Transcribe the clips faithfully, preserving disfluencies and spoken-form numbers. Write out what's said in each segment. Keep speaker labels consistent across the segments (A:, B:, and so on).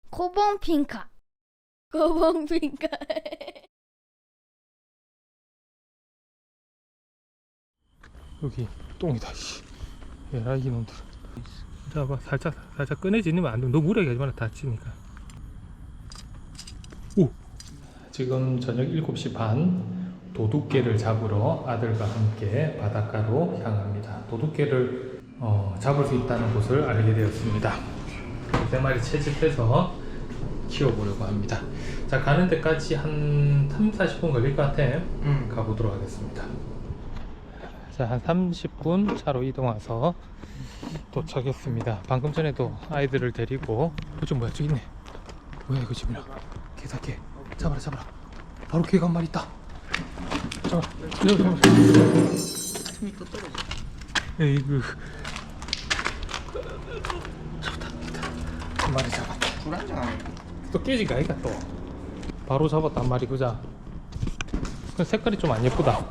A: 고봉핑카. 고봉핑카.
B: 여기 똥이다. 씨. 얘라 이놈들. 잡아 살짝 살짝 꺼내지니면 안 돼. 너무 무리하게 하지 마라. 다치니까. 오. 지금 저녁 일곱 시 반. 도둑개를 잡으러 아들과 함께 바닷가로 향합니다. 도둑개를 어, 잡을 수 있다는 곳을 알게 되었습니다. 세 마리 채집해서 키워보려고 합니다. 자, 가는 데까지 한 삼, 사십 분 걸릴 것 같아. 음. 가보도록 하겠습니다. 자, 한 삼십 분 차로 이동 와서 도착했습니다. 방금 전에도 아이들을 데리고 어, 뭐야, 저기 있네. 뭐야 이거 지금. 개사개 잡아라 잡아라. 바로 개가 한 마리 있다. 잡아 잡아 잡아.
C: 숨이 또 떨어져.
B: 에이구. 잡았다 잡았다. 한 마리 잡았다.
C: 불안정 안 해.
B: 또 깨지가 아이가 또. 바로 잡았다 한 마리. 그자. 그 색깔이 좀 안 예쁘다.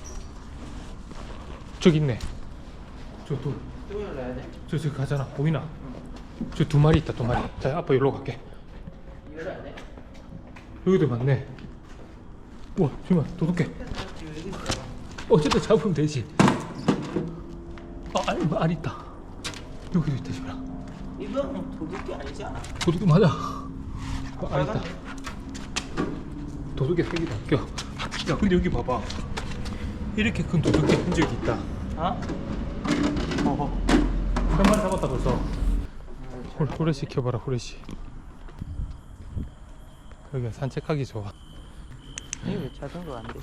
B: 저기 있네. 저 또.
C: 또 열어야 돼?
B: 저 저기 가잖아. 보이나? 저 두 마리 있다 두 마리. 자, 아빠 여기로 갈게.
C: 열어야 돼?
B: 여기도 많네. 우와, 잠깐만, 도둑개. 어쨌든 잡으면 되지. 아, 알, 알 있다. 여기도 있다, 지금.
C: 이건 도둑이 아니잖아.
B: 도둑개 맞아. 아, 알 있다. 도둑개 색이다. 껴. 야, 근데 여기 봐봐. 이렇게 큰 도둑개 흔적이 있다.
C: 어?
B: 어허. 한 마리 잡았다 벌써. 홀, 후레쉬 켜봐라, 후레쉬. 여기가 산책하기 좋아.
C: 이거 왜 자전거 안 돼?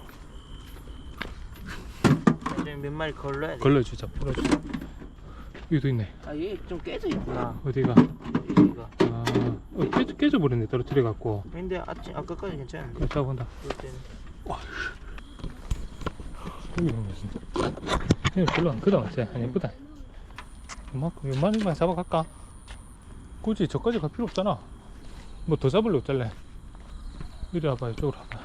C: 나중에 몇 마리 걸러야 돼.
B: 걸러주자, 풀어주자. 여기도 있네.
C: 아, 얘 좀 깨져 있구나.
B: 어디가?
C: 여기가.
B: 아, 어, 깨져, 깨져버렸네, 떨어뜨려갖고.
C: 근데 아침 아까까지 괜찮은데.
B: 이따 본다.
C: 그럴 때는.
B: 와, 여기 있는 거지. 그냥 별로 안 크다, 맞지? 안 예쁘다. 이만큼, 이만큼만 잡아갈까? 굳이 저까지 갈 필요 없잖아. 뭐 더 잡으려고 잘래. 이리 와봐, 이쪽으로 와봐.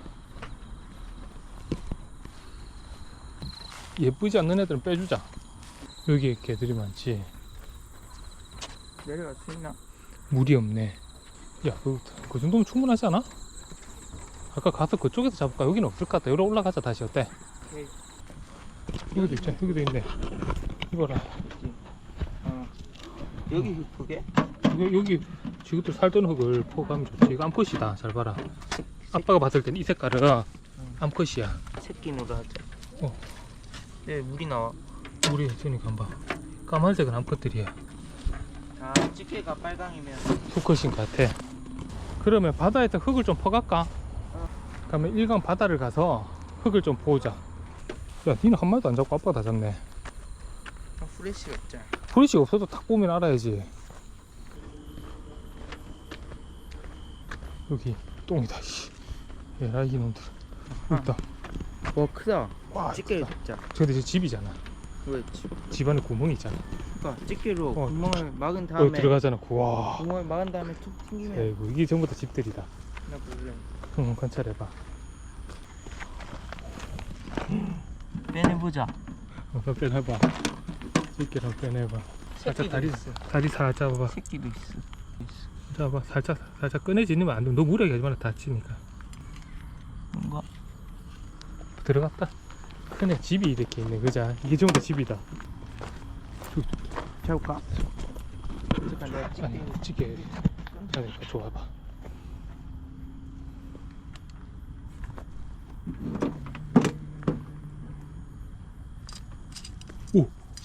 B: 예쁘지 않는 애들은 빼주자. 여기에 개들이 많지.
C: 내려갈 수 있나?
B: 물이 없네. 야, 그, 그 정도면 충분하지 않아? 아까 가서 그쪽에서 잡을까? 여기는 없을 것 같다. 여기로 올라가자, 다시. 어때?
C: 오케이.
B: 여기도 있잖아. 여기도 있네. 이거라.
C: 어. 여기 흙크게?
B: 여기, 여기 지금도 살던 흙을 포가면 좋지. 이거 암컷이다. 잘 봐라. 아빠가 봤을 땐 이 색깔은 암컷이야.
C: 새끼 노라지.
B: 어.
C: 네, 물이 나와.
B: 우리 저니까 한번 봐. 까만색은 암컷들이야.
C: 아, 집게가 빨강이면.
B: 수컷인 것 같아. 그러면 바다에다 흙을 좀 퍼갈까?
C: 어.
B: 그러면 일강 바다를 가서 흙을 좀 보자. 야, 니는 한 마리도 안 잡고 아빠가 다 잡네.
C: 아, 후레쉬가 없잖아.
B: 브러쉬가 없어도 탁 보면 알아야지. 여기 똥이다. 씨. 얘라 이놈들.
C: 아.
B: 있다.
C: 와, 크다.
B: 와,
C: 집게를
B: 크다.
C: 잡자.
B: 근데 저 집이잖아.
C: 왜 집?
B: 집안에 구멍이 있잖아.
C: 그러니까 집게로
B: 어.
C: 구멍을 막은
B: 여기
C: 다음에
B: 들어가잖아. 와.
C: 구멍을 막은 다음에 툭 튕기면
B: 에이구, 이게 전부 다 집들이다.
C: 나 모르겠네.
B: 응, 관찰해봐.
C: 빼내보자.
B: 어, 너 빼내봐. 집게랑 빼내봐. 살짝
C: 새끼도
B: 다리,
C: 있어.
B: 다리 살짝 잡아봐.
C: 새끼도 있어. 있어.
B: 잡아. 살짝, 살짝 꺼내지니면 안 돼. 너무 무리하게 하지 마라. 다치니까.
C: 뭔가
B: 들어갔다. 큰애 집이 이렇게 있네. 그자? 이게 전부 다 집이다.
C: 잡을까? 잠깐 내가 집게.
B: 아니, 집게. 그러니까 좋아봐. 오!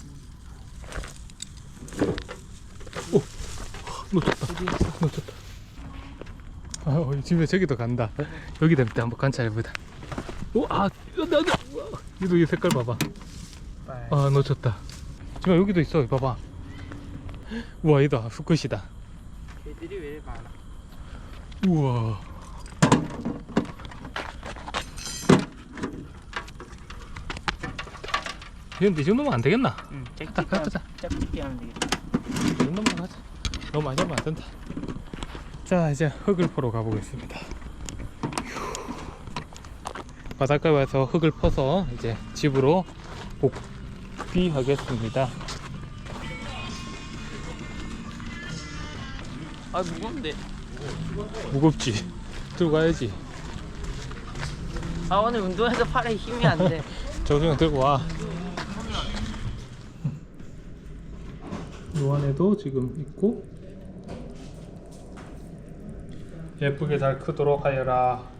B: 오! 놓쳤다. 놓쳤다. 아, 어, 집에 저기도 간다. 여기 될 때 한번 관찰해보자. 오! 아! 나, 나, 얘도 이 색깔 봐봐. 아, 놓쳤다. 지금 여기도 있어. 봐봐. 우와, 얘도 수컷이다.
C: 개들이 왜 이렇게 많아?
B: 우와. 근데 이 정도면 안 되겠나?
C: 응,
B: 딱 가자.
C: 짝짓기 하면 되겠다.
B: 이 정도면 가자. 너무 많이 하면 안 된다. 자, 이제 흙을 퍼러 가보겠습니다. 바닷가에 와서 흙을 퍼서 이제 집으로 복귀하겠습니다.
C: 아, 무거운데.
B: 무겁지. 들고 가야지.
C: 아 오늘 운동해서 팔에 힘이 안 돼.
B: 정수영 들고 와. 요 안에도 지금 있고 예쁘게 잘 크도록 하여라.